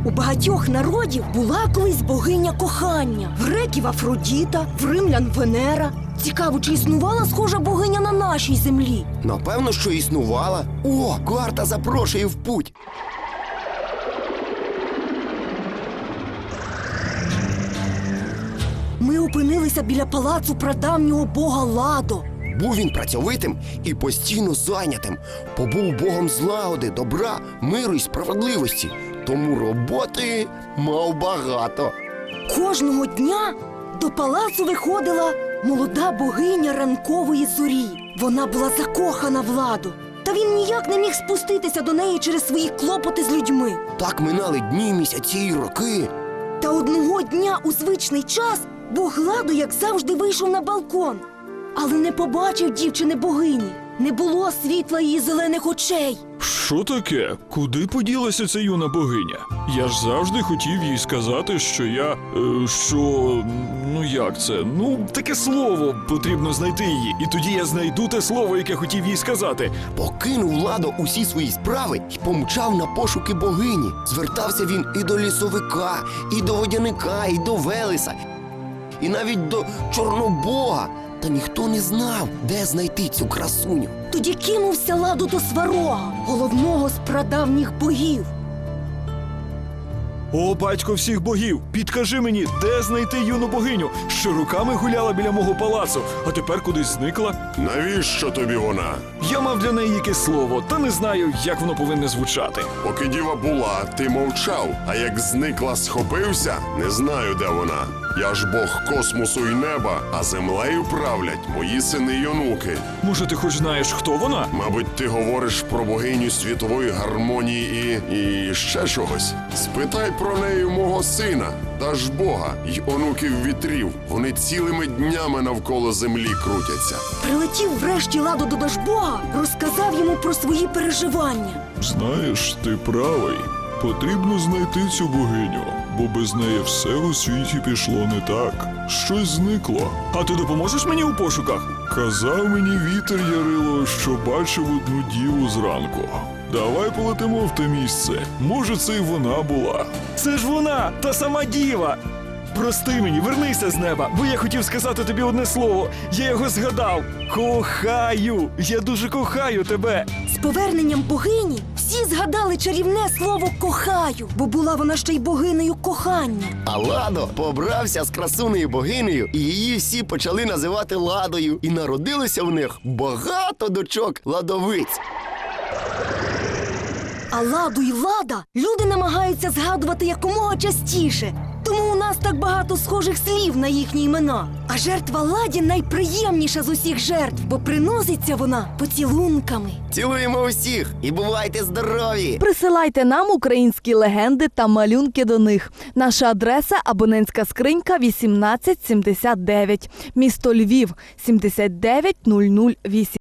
У багатьох народів була колись богиня кохання. В греків Афродіта, в римлян Венера. Цікаво, чи існувала схожа богиня на нашій землі? Напевно, що існувала. О, карта запрошує в путь. Ми опинилися біля палацу прадавнього бога Ладо. Був він працьовитим і постійно зайнятим. Побув богом злагоди, добра, миру і справедливості. Тому роботи мав багато. Кожного дня до палацу виходила молода богиня ранкової зорі. Вона була закохана в Ладу. Та він ніяк не міг спуститися до неї через свої клопоти з людьми. Так минали дні, місяці і роки. Та одного дня у звичний час бог Ладо, як завжди, вийшов на балкон. Але не побачив дівчини-богині. Не було світла її зелених очей. Що таке? Куди поділася ця юна богиня? Я ж завжди хотів їй сказати, що я... як це? Таке слово потрібно знайти її. І тоді я знайду те слово, яке хотів їй сказати. Покинув Ладо усі свої справи і помчав на пошуки богині. Звертався він і до лісовика, і до водяника, і до Велеса, і навіть до Чорнобога. Та ніхто не знав, де знайти цю красуню. Тоді кинувся Ладо до Сварога, головного з прадавніх богів. О, батько всіх богів, підкажи мені, де знайти юну богиню, що руками гуляла біля мого палацу, а тепер кудись зникла? Навіщо тобі вона? Я мав для неї якесь слово, та не знаю, як воно повинне звучати. Поки діва була, ти мовчав, а як зникла, схопився, не знаю, де вона. Я ж бог космосу і неба, а землею правлять мої сини й онуки. Може, ти хоч знаєш, хто вона? Мабуть, ти говориш про богиню світової гармонії і ще чогось. Спитай про неї у мого сина, Дажбога, й онуків вітрів. Вони цілими днями навколо землі крутяться. Прилетів врешті Ладо до Дажбога, розказав йому про свої переживання. Знаєш, ти правий. Потрібно знайти цю богиню, бо без неї все у світі пішло не так. Щось зникло. А ти допоможеш мені у пошуках? Казав мені вітер Ярило, що бачив одну діву зранку. Давай полетимо в те місце. Може, це й вона була. Це ж вона, та сама діва. Прости мені, вернися з неба, бо я хотів сказати тобі одне слово. Я його згадав. Кохаю! Я дуже кохаю тебе. З поверненням богині всі згадали чарівне слово «кохаю», бо була вона ще й богинею кохання. А Ладо побрався з красунею богинею, і її всі почали називати Ладою. І народилося в них багато дочок ладовиць. А Ладу й Лада люди намагаються згадувати якомога частіше. Тому у нас так багато схожих слів на їхні імена. А жертва Ладі найприємніша з усіх жертв, бо приноситься вона поцілунками. Цілуємо усіх і бувайте здорові! Присилайте нам українські легенди та малюнки до них. Наша адреса – абонентська скринька 1879, місто Львів, 79008.